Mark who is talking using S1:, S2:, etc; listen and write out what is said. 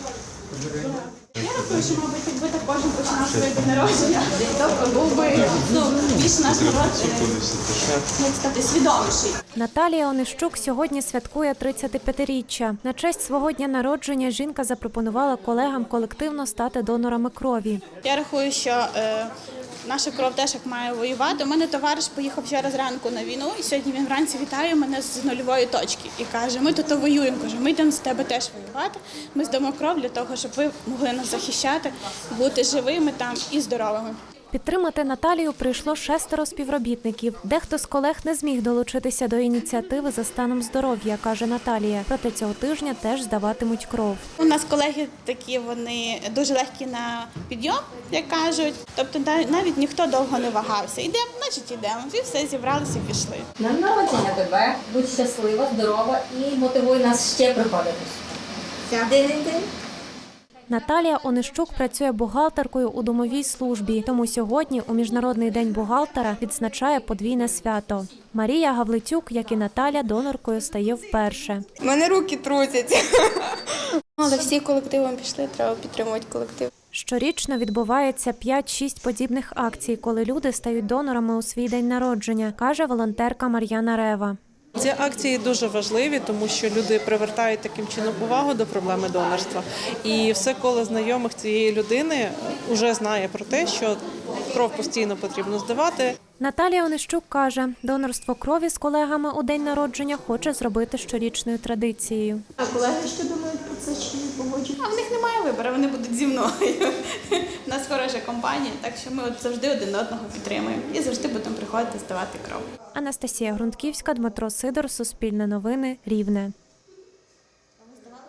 S1: Я рахую, що, мабуть, якби так кожен починав своє день народження, то був би більш наш народ, як сказати, свідоміший.
S2: Наталія Онищук сьогодні святкує 35-річчя. На честь свого дня народження жінка запропонувала колегам колективно стати донорами крові.
S1: Я рахую, що наша кров теж як має воювати. У мене товариш поїхав вчора зранку на війну, і сьогодні він вранці вітає мене з нульової точки. І каже, ми тут воюємо. Каже, ми йдемо з тебе теж воювати. Ми здамо кров для того, щоб ви могли нас захищати, бути живими там і здоровими.
S2: Підтримати Наталію прийшло 6 співробітників. Дехто з колег не зміг долучитися до ініціативи за станом здоров'я, каже Наталія. Проте цього тижня теж здаватимуть кров.
S1: У нас колеги такі, вони дуже легкі на підйом, як кажуть. Тобто навіть ніхто довго не вагався. Йдемо, значить йдемо. І все, зібралися і пішли.
S3: Днем народження тебе, будь щаслива, здорова і мотивуй нас ще приходити. День-день-день.
S2: Наталія Онищук працює бухгалтеркою у домовій службі, тому сьогодні у Міжнародний день бухгалтера відзначає подвійне свято. Марія Гавлицюк, як і Наталя, доноркою стає вперше.
S4: У мене руки трусяться. Але всі колективом пішли, треба підтримувати колектив.
S2: Щорічно відбувається 5-6 подібних акцій, коли люди стають донорами у свій день народження, каже волонтерка Мар'яна Рева.
S5: Ці акції дуже важливі, тому що люди привертають таким чином увагу до проблеми донорства. І все коло знайомих цієї людини вже знає про те, що кров постійно потрібно здавати.
S2: Наталія Онищук каже, донорство крові з колегами у день народження хоче зробити щорічною традицією.
S1: А колеги що думають про це, чи не погоджують? А в них немає вибору, вони будуть зі мною. У нас хороша компанія, так що ми завжди один одного підтримуємо і завжди будемо приходити здавати кров.
S2: Анастасія Грунтківська, Дмитро Сидор, Суспільне новини, Рівне.